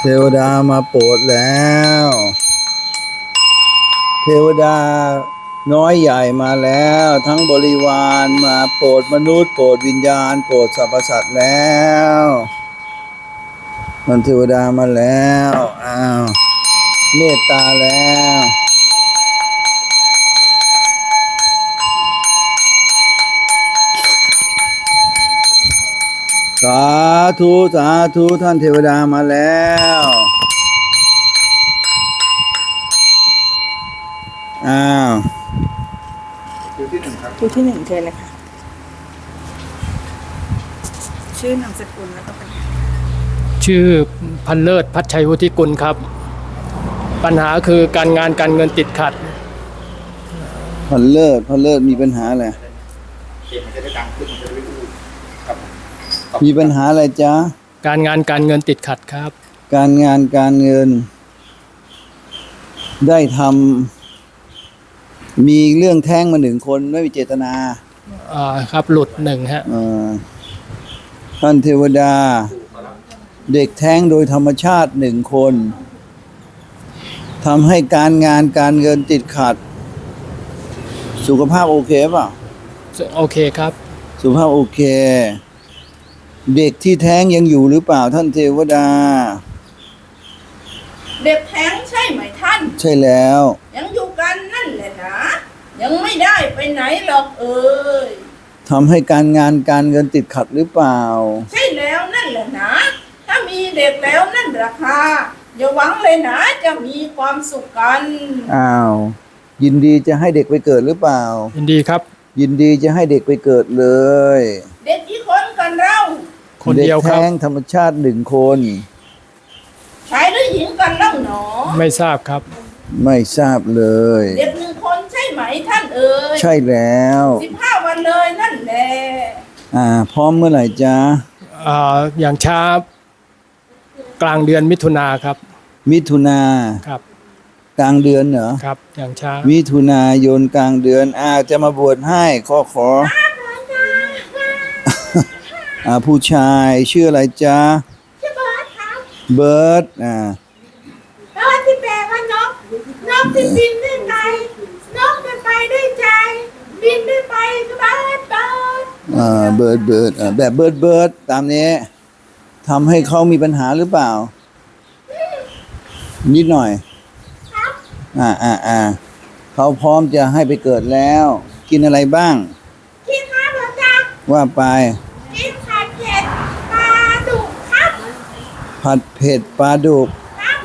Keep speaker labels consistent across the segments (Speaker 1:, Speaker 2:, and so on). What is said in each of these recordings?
Speaker 1: เทวดามาโปรดแล้ว เทวดาน้อยใหญ่มาแล้ว ทั้งบริวารมาโปรดมนุษย์โปรดวิญญาณโปรดสรรพสัตว์แล้วมันเทวดามาแล้วอ้าวเมตตาแล้วสาธุสาธุท่านเทวดามาแล้วอ้าว
Speaker 2: คิวที่หนึ่งเชิญเลยค่ะชื่อนามสกุลแล้วก็ปัญหา
Speaker 3: ชื่อพันเลิศพัชชัยวุฒิกุลครับปัญหาคือการงานการเงินติดขัด
Speaker 1: พันเลิศมีปัญหาอะไรมีปัญหาอะไรจ๊ะ
Speaker 3: การงานการเงินติดขัดครับ
Speaker 1: การงานการเงินได้ทำมีเรื่องแท้งมาหนึ่งคนไม่มีเจตนา
Speaker 3: ครับหลุดหนึ่งฮะ
Speaker 1: ท่านเทวดาเด็กแท้งโดยธรรมชาติหนึ่งคนทำให้การงานการเงินติดขัดสุขภาพโอเคป่ะ
Speaker 3: โอเคครับ
Speaker 1: สุขภาพโอเคเด็กที่แท้งยังอยู่หรือเปล่าท่านเทวดา
Speaker 4: เด็กแท้งใช่ไหมท่าน
Speaker 1: ใช่แล้ว
Speaker 4: ยังอยู่กันนั่นแหละนะยังไม่ได้ไปไหนหรอก
Speaker 1: ทำให้การงานการเงินติดขัดหรือเปล่า
Speaker 4: ใช่แล้วนั่นแหละนะถ้ามีเด็กแล้วนั่นราคาอย่าหวังเลยนะจะมีความสุขกัน
Speaker 1: อ้าวยินดีจะให้เด็กไปเกิดหรือเปล่า
Speaker 3: ยินดีครับ
Speaker 1: ยินดีจะให้เด็กไปเกิดเลย
Speaker 4: เด็กกี่คนกันเรา
Speaker 3: คนเดียวครับ
Speaker 1: เด็กแท้งธรรมชาติหนึ่งคน
Speaker 4: ชายหรือหญิงกันเล่าหนอ
Speaker 3: ไม่ทราบครับ
Speaker 1: ไม่ทราบเลย
Speaker 4: เด็กหนึ่งคนใช่ไหมท่าน
Speaker 1: ใช่แล้ว
Speaker 4: 15 วันเลยนั่นแหละ
Speaker 1: พร้อมเมื่อไหร่จ๊ะ
Speaker 3: อย่างช้ากลางเดือนมิถุนาครับ
Speaker 1: มิถุนา
Speaker 3: ครับ
Speaker 1: กลางเดือนเหรอ
Speaker 3: ครับอย่างช้า
Speaker 1: มิถุนายนกลางเดือนจะมาบวชให้ขอผู้ชายชื่ออะไรจ๊ะ
Speaker 4: ชื่อเบิร์ดครับ
Speaker 1: เบิร์ด
Speaker 4: แล้วที่แปลว่านกที่บินด้วยใจนกจะไปด้วยใจบินด้วยไปก็เบิร์ด
Speaker 1: เบิร์ดแบบเบิร์ดตามนี้ทำให้เขามีปัญหาหรือเปล่านิดหน่อยเขาพร้อมจะให้ไปเกิดแล้วกินอะไรบ้าง
Speaker 4: กินครับหลวงตา
Speaker 1: ว่าไป
Speaker 4: กินผัดเผ็ดปลาดุกครับ
Speaker 1: ผัดเผ็ดปลาดุก
Speaker 4: ครับ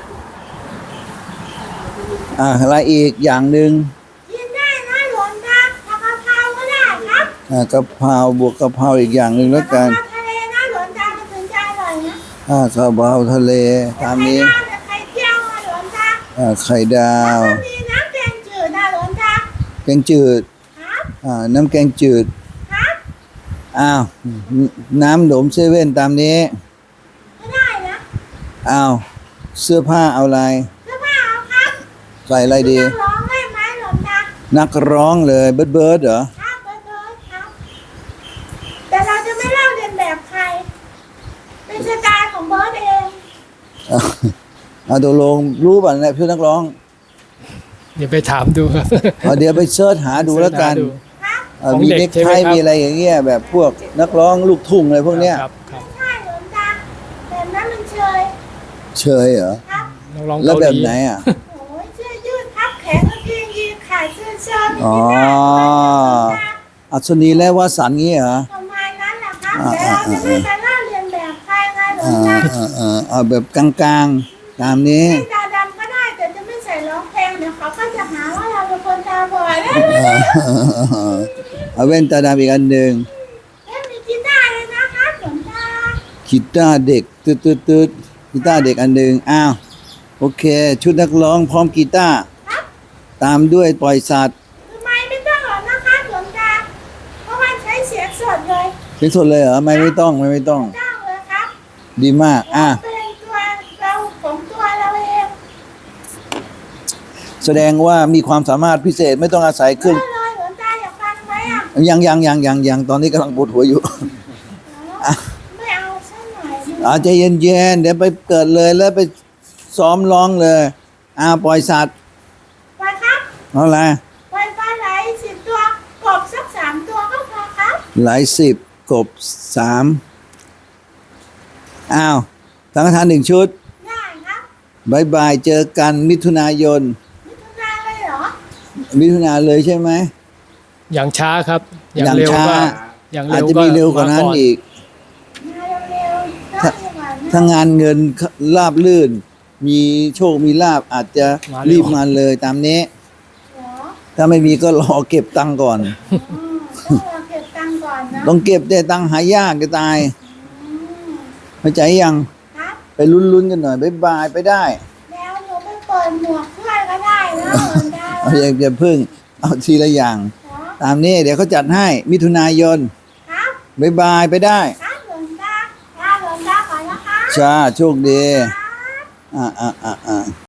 Speaker 1: อะไรอีกอย่างหนึ่ง
Speaker 4: กินได้นะหลวงตากะเพราก็ได้ครับ
Speaker 1: กะเพราบวกกะเพราอีกอย่างหนึ่งแล้วกัน
Speaker 4: ทะเลนะหลวงตามันถึงจะอร่อยนะ
Speaker 1: กะเพราทะเลตามนี้
Speaker 4: ไข่เจียวหลวงตา
Speaker 1: ไข่ดาว
Speaker 4: มีน้ำแกงจืดนะหลวงตา
Speaker 1: แกงจืด
Speaker 4: ครับ
Speaker 1: น้ำแกงจืด
Speaker 4: ครับ
Speaker 1: น้ำหนมเซเว่นตามนี้
Speaker 4: ไม่ได้นะ
Speaker 1: เสื้อผ้าเอาอะไร
Speaker 4: เสื้อผ้าเอาครับ
Speaker 1: ใส่อะไรดี
Speaker 4: นักร้องได้ไหมหลวงตา
Speaker 1: นักร้องเลยเบิร์ดเหรอ
Speaker 4: ครับเบิร์ดครับแต่เราจะไม่เล่าเรียนแบบใครเป็นสไตล์ของเบิร์ดเอง
Speaker 1: ตกลงรู้ป่ะเนี่ยพี่นักร้อง
Speaker 3: เดี๋ยวไปถามดูครับ
Speaker 1: เดี๋ยวไปเสิร์ชหาดูแล้วกันมีเด็กไทยมีอะไรอย่างเงี้ยแบบพวกนักร้องลูกทุ่งอะไรพวกเนี้ย
Speaker 4: ใช่หลวงตาแบบนั้นมันเชย
Speaker 1: เหรอ
Speaker 3: นักร้อง
Speaker 1: แล้วแบบไหน
Speaker 4: โอ้ยเสื้อยืดพับแขนกางเกงยีนขาเสื้อเชิ้ต
Speaker 1: อัศนีและวสันต์งี้เหรอ
Speaker 4: ประมาณนั้นแหละครับแต่เราจะไม่ไปเล่าเรียนแบบใครไงหลวงตา
Speaker 1: แบบกลางๆตามนี้
Speaker 4: ตาดำก็ได้แต่จะไม่ใส่ร้องเพลงเดี๋ยวเขาก็จะหาว่าเราเป็นคนตาบอด
Speaker 1: เอาแว่นตาดำอีกอันหนึ่ง
Speaker 4: มีกีตาร์เลยนะครับหลวงตา
Speaker 1: กีตาร์เด็กตืดกีตาร์เด็กอันหนึ่งโอเคชุดนักร้องพร้อมกีตาร์ตามด้วยปล่อยสัตว์
Speaker 4: ไม่ต้องหรอกนะครับหลวงตาเพราะว่าใช้เสียงสดเลย
Speaker 1: เสียงสดเลยเหรอไม่ต้อง
Speaker 4: เลยครับ
Speaker 1: ดีมาก
Speaker 4: เป็นตัวเราของตัวเราเอง
Speaker 1: แสดงว่ามีความสามารถพิเศษไม่ต้องอาศัยเครื่อง
Speaker 4: เลยหลวงตาอยากฟังไหม
Speaker 1: ยังตอนนี้กำลังปวดหัวอยู่
Speaker 4: ไม่เอาซะหน่อย
Speaker 1: ใจเย็นๆเดี๋ยวไปเกิดเลยแล้วไปซ้อมร้องเลยปล่อยสัตว์
Speaker 4: ไปครับ
Speaker 1: เอาอะไร
Speaker 4: ไปปลาไหล10 ตัวกบสัก3 ตัวก็พอครับ
Speaker 1: หลายสิบกบ3สังฆทาน1 ชุด
Speaker 4: ได้ครับ
Speaker 1: บายบายเจอกันมิถุนายน
Speaker 4: มิถุนาเลยเหรอ
Speaker 1: มิถุนาเลยใช่ไหม
Speaker 3: อย่างช้าครับ
Speaker 1: อย่าง
Speaker 3: เร็ว
Speaker 1: ช้า
Speaker 3: ก็อย่าง
Speaker 1: อาจ
Speaker 3: เร็ว
Speaker 1: จะ
Speaker 3: ก็
Speaker 1: มีเร็วกว่านั้น
Speaker 3: ม
Speaker 1: อีก
Speaker 4: มาเร็วๆได้ยังไงนะ
Speaker 1: ถ้างานเงินราบลื่น มีโชคมีลาบอาจจะรีบมาเลยตามนี้
Speaker 4: เหรอ
Speaker 1: ถ้าไม่มีก็รอเก็บตังค์ก่อน
Speaker 4: ต้องรอเก็บตังค์ก่อนนะ
Speaker 1: ต้องเก็บแต่ตังค์หายากจะตาย
Speaker 4: อืม
Speaker 1: เข้าใจยัง
Speaker 4: ครับ
Speaker 1: ไปลุ้นๆกันหน่อยบายบายไปได้
Speaker 4: แล้วหนูไปเปิดหมวกช่วยก็ได้นะเหมือนกัน
Speaker 1: เอาอย่าพึ่งเอาทีละอย่าง
Speaker 4: เหรอ
Speaker 1: ตามนี้เดี๋ยวเขาจัดให้มิถุนายน
Speaker 4: ครับ
Speaker 1: บายบายไปได้
Speaker 4: ครับหลวงตาหลวงตาก่อนนะคะ
Speaker 1: จ้าโชคดี
Speaker 4: ครับ
Speaker 1: อ่า